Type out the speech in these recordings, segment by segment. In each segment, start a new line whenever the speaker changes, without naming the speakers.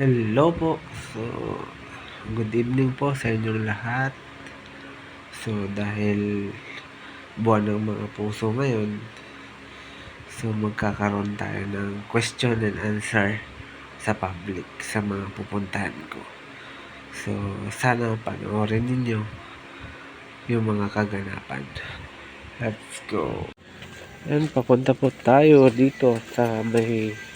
Hello po. So, good evening po sa inyong lahat. So, dahil buwan ng mga puso ngayon, so magkakaroon tayo ng question and answer sa public, sa mga pupuntahan ko. So, sana panoorin ninyo yung mga kaganapan. Let's go. Yan, papunta po tayo dito sa may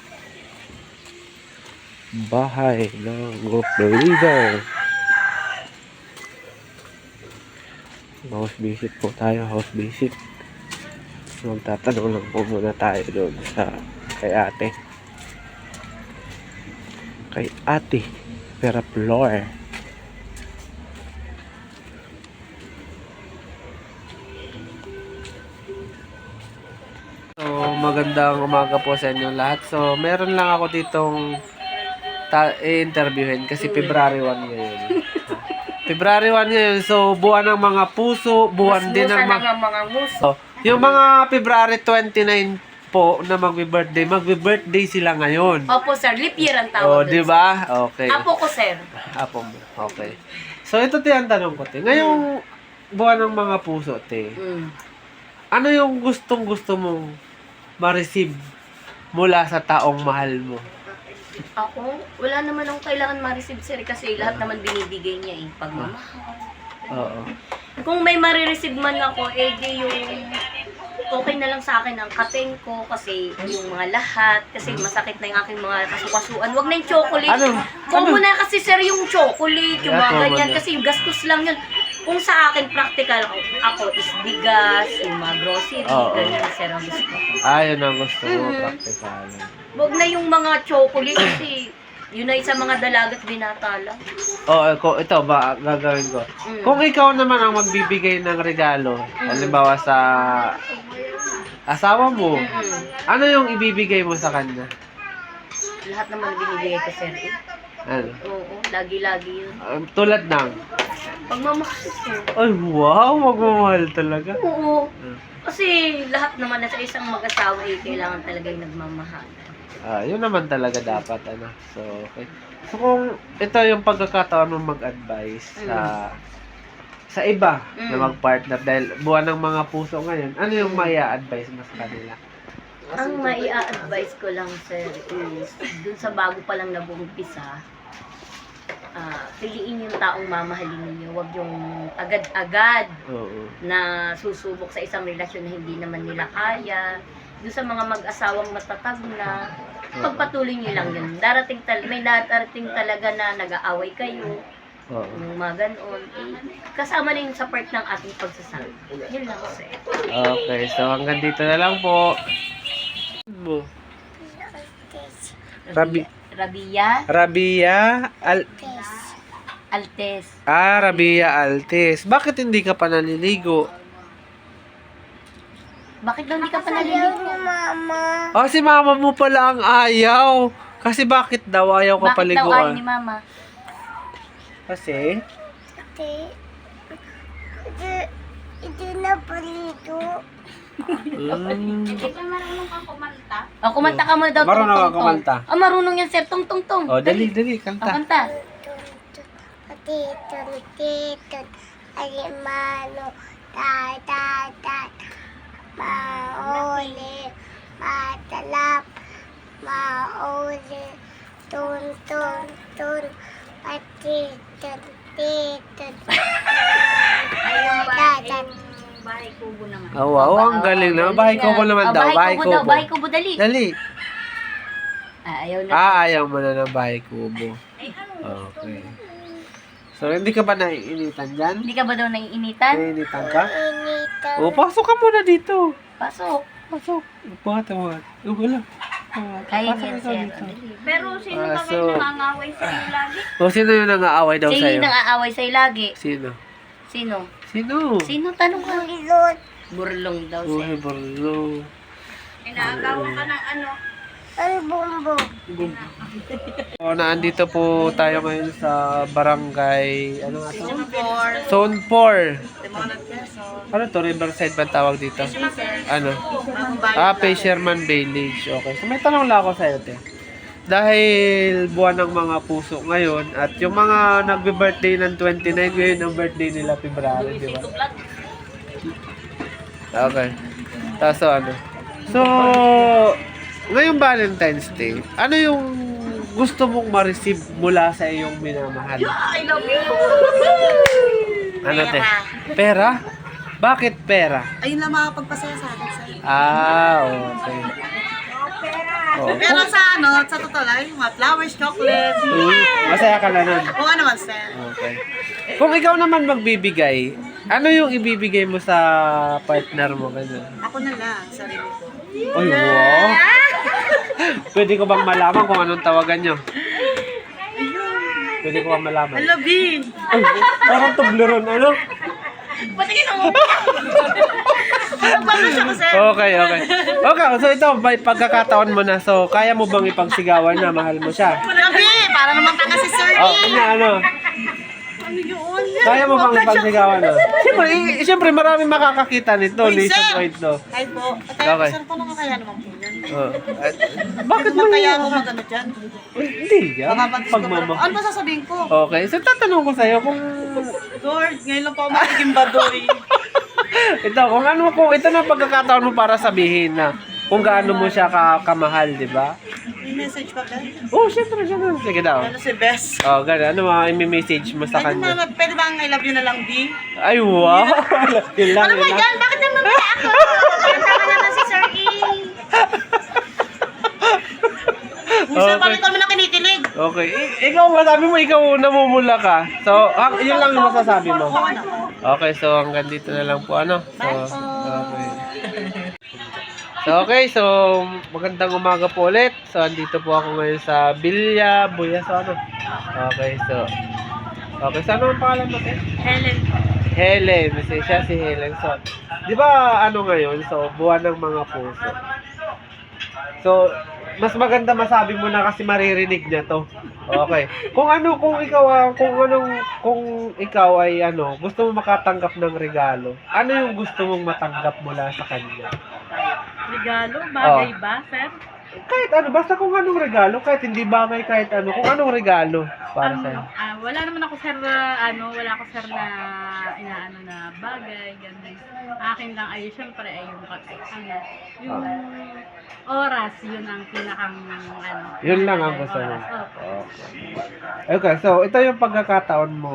bahay ng group leader. House visit po tayo, house visit. Magtatanong lang po muna tayo doon sa kay ate. Kay ate Peraflor. So, magandang umaga po sa inyo lahat. So, meron lang ako ditong i-interviewin kasi February 1 ngayon. February 1 ngayon. So, buwan ng mga puso, buwan din ng
mga muso.
Yung mga February 29 po na magbe-birthday sila ngayon.
Opo, sir. Leap year ang
Oh,
tawag.
di ba? Okay.
Apo ko, sir.
Apo mo. Okay. So, ito ang tanong ko, te. Ngayong buwan ng mga puso, te. Ano yung gustong-gusto mong ma-receive mula sa taong mahal mo?
Ako, wala naman akong kailangan ma-receive, sir, kasi lahat naman binibigay niya, pagmamahal.
Oo.
Kung may marireceive man ako, di yung okay na lang sa akin ang kating ko kasi yung mga lahat, kasi masakit na yung aking mga kasukasuan. Wag na yung chocolate. Huwag mo na kasi, sir, yung chocolate, yung mga ganyan, kasi yung gastos lang yun. Kung sa akin, practical ako is bigas, yung mga grocery, ganyan, sir, ang gusto ko.
Yun ang gusto mo, practical.
Huwag na yung mga chocolate kasi yun na sa mga dalagat binata lang.
Ito ba, gagawin ko. Kung ikaw naman ang magbibigay ng regalo, halimbawa sa asawa mo, ano yung ibibigay mo sa kanya?
Lahat naman binibigay ko, sir.
Ano?
Oo, lagi-lagi yun.
Tulad ng?
Pagmamahal ko.
Ay, wow, magmamahal talaga.
Oo. Kasi lahat naman na sa isang mag-asawa kailangan talaga yung nagmamahal.
Yun naman talaga dapat, ano. So, okay. So, kung ito yung pagkakataon mo mag-advise sa iba na mag-partner dahil buwan ng mga puso ngayon, ano yung maia-advise mo sa kanila?
Ang maia-advise ko lang, sir, is dun sa bago pa lang nag-uumpisa, piliin yung taong mamahalin ninyo. Huwag yung agad-agad na susubok sa isang relasyon na hindi naman nila kaya. Doon sa mga mag-asawang matatag na, pagpatuloy nyo lang yun. May darating talaga na nag-aaway kayo. Yung mga ganon. Kasama na yun sa part ng ating pagsasabi. Yun lang, sir.
Okay, so hanggang dito na lang po. Rabia
Altes.
Rabia Altes. Bakit hindi ka pa naliligo?
Bakit daw hindi ka pa naliligo?
Si mama mo pala ang ayaw. Kasi bakit daw ayaw ka paliguan?
Bakit daw ayaw ni mama?
Kasi?
Ito na palito.
Hindi ka marunong kang kumanta? Kumanta ka muna daw.
Marunong ka kumanta?
Marunong yan, sir. Tong-tong-tong.
Dali, kanta.
Kanta.
Titon, alimano, tatatat, mauli, matalap, mauli, tun, patiton, tatatat.
Bahay kubo naman.
Wow, ang galing naman. Bahay kubo naman daw. Bahay kubo.
Bahay kubo, dali.
Dali.
Ayaw na.
Ayaw mo na ng bahay kubo. Okay. So, hindi ka ba naiinitan dyan?
Hindi ka ba daw naiinitan?
Naiinitan ka?
Initan.
Pasok ka muna dito.
Pasok.
Buhat. Wala.
Kaya niya, sir.
Pero sino ba kayo nangangaway sa iyo lagi?
Sino yung nang-aaway daw
Sino
sa'yo?
yung nang-aaway sa'yo lagi?
Sino?
Sino tanong ka?
Ilot.
Burlong daw,
Uy,
sir.
barlo.
Inaagawan ka ng ano?
Ang bumbo.
Naandito po tayo ngayon sa barangay, ano nga to?
Zone 4.
Zone 4. Ano to? Riverside ba tawag dito? Ano? Fisherman Village. Okay. So may tanong lang ako sa'yo, te. dahil buwan ng mga puso ngayon at yung mga nagbe-birthday ng 29 ngayon ang birthday nila February, di ba? Okay. So, ano? So, ngayong Valentine's Day, ano yung gusto mong ma-receive mula sa iyong minamahal?
I love you!
Ano te? Pera? Bakit pera?
Ayun lang makapagpasaya sa akin sa'yo.
Okay.
Pero sa totoo lang, yung mga flowers, chocolate.
Masaya ka na nun.
Oo naman, sir.
Okay. Kung ikaw naman magbibigay, ano yung ibibigay mo sa partner mo? Ganun?
Ako na lang, sarili ko.
Ay, wow! Pwede ko bang malaman kung anong tawagan nyo? Pwede ko bang malaman?
I love you.
Ay, parang tubleron, ano?
Patingin ako!
Ano siya kasi?
Okay. Okay, so ito, may pagkakataon mo na. So, kaya mo bang ipagsigawan na mahal mo siya?
Grabe, para naman taka si Sir
Oh,
E.
ano?
Ano yun?
Kaya mo bang ipagsigawan na? Siyempre, marami makakakita nito.
Uy, sir!
Nationwide to.
Ay po.
Okay.
Kaya sir, paano ka kaya naman po yan?
Bakit mo
Kaya ako magano dyan?
Hindi yan.
Baka mag-discover ako.
Pagmama.
Ano ba sasabihin ko?
Okay, so tatanong ko sa'yo kung
Lord, ngayon lang po ako magiging badoy.
kung ito na pagkakataon mo para sabihin na kung gaano mo siya kamahal, di ba?
May message pa ba?
Oh, syempre. Sige daw.
Ano si Bess?
Oh, gano'n. Ano mga i-message mo sa kanya?
Pwede bang I love you na lang, D?
Ay, wow! Yun lang,
Ano ba
yun lang.
yan? Bakit naman ba ako?
Tama naman si Sir E!
Minsan pa rin kami na kinikilig.
Okay. Ikaw, masabi mo, ikaw namumula ka. So, yun lang yung masasabi mo.
Oo na.
Okay, so hanggang dito na lang po, ano? So, okay. So, magandang umaga po ulit. So, andito po ako ngayon sa Villa Buyaso, ano? Okay, so, ano ang pangalan mo, te? Helen. Siya si Helen. So, di ba, ano ngayon? So, buwan ng mga puso. So, mas maganda masabi mo na kasi maririnig niya to. Okay. Kung ikaw ay gusto mo makatanggap ng regalo, ano yung gusto mong matanggap mula sa kanya?
Regalo? Bagay ba, sir?
Kahit ano, basta kung anong regalo, kahit hindi bagay, kahit ano, kung anong regalo para sa'yo.
Wala naman ako, sir, wala ako, sir, na inaano na bagay, ganun. Akin lang ay, syempre, ay yung oras, yun ang pinakang,
Yun lang ang gusto mo.
oras. Opo.
Okay, so ito yung pagkakataon mo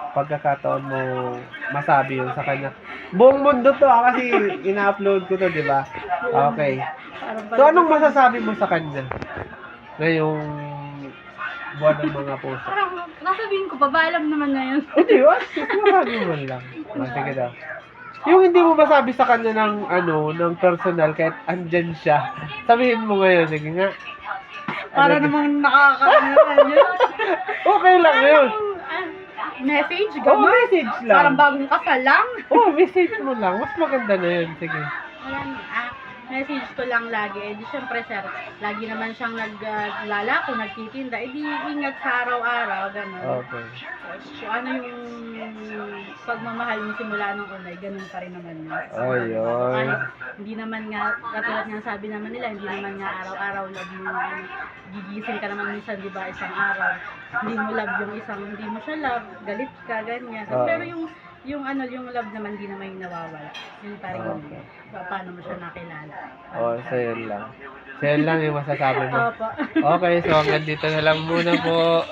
masabi yun sa kanya. Buong mundo to kasi ina-upload ko to, di ba? Okay. So anong masasabi mo sa kanya? Ngayong buwan ng mga puso.
Parang, nasabihin ko pa ba, alam naman na yun.
Hindi, masabi mo lang. Sige daw. Yung hindi mo masabi sa kanya ng personal kahit andyan siya. Sabihin mo ngayon, sige nga.
Para namang nakakakaano yun.
Okay lang yun.
Message,
Oh,
gano'n.
message lang.
Parang bagong kasal lang.
Oh, message mo lang. Mas maganda na yun. Sige.
Ayan, message ko lang lagi. Eh, di syempre, sir, lagi naman siyang naglalako, nagtitinda. Eh, di ingat sa araw-araw, gano'n.
Okay.
So, ano yung pagmamahal mo simula nung unay, ganun pa rin naman yun.
Oh, yun.
Kahit hindi naman nga, katulad nga sabi naman nila, hindi naman nga araw-araw love mo, gigising ka naman minsan, di ba, isang araw. Hindi mo love yung isang, hindi mo siya love, galit ka, ganyan.
Oo.
Pero yung love naman, hindi naman yung nawawala. Yun pa rin yun. Paano mo siya nakilala.
Oh, so yun lang. So yun lang yung masasabi mo.
Opo.
Okay, so hanggang dito na lang muna po.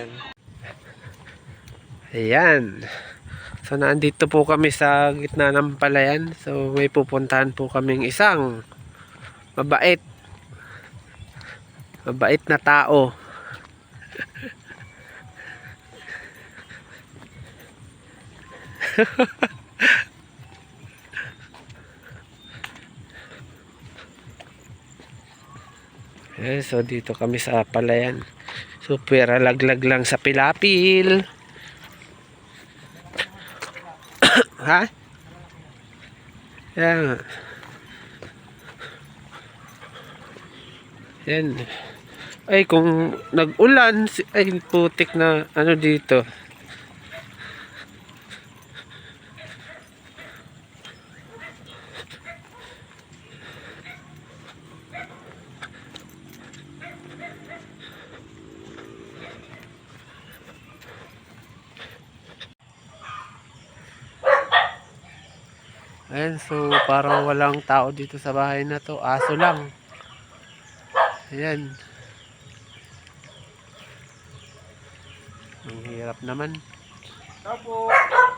Ayan. So naandito po kami sa gitna ng palayan. So may pupuntahan po kaming isang mabait na tao. So dito kami sa palayan. So pwera laglag lang sa pilapil. Ha? Yan. Yan. Ay kung nag-ulan, ay putik na dito. Ayan, so parang walang tao dito sa bahay na to. Aso lang. Ayan. Ang hirap naman.
Opo.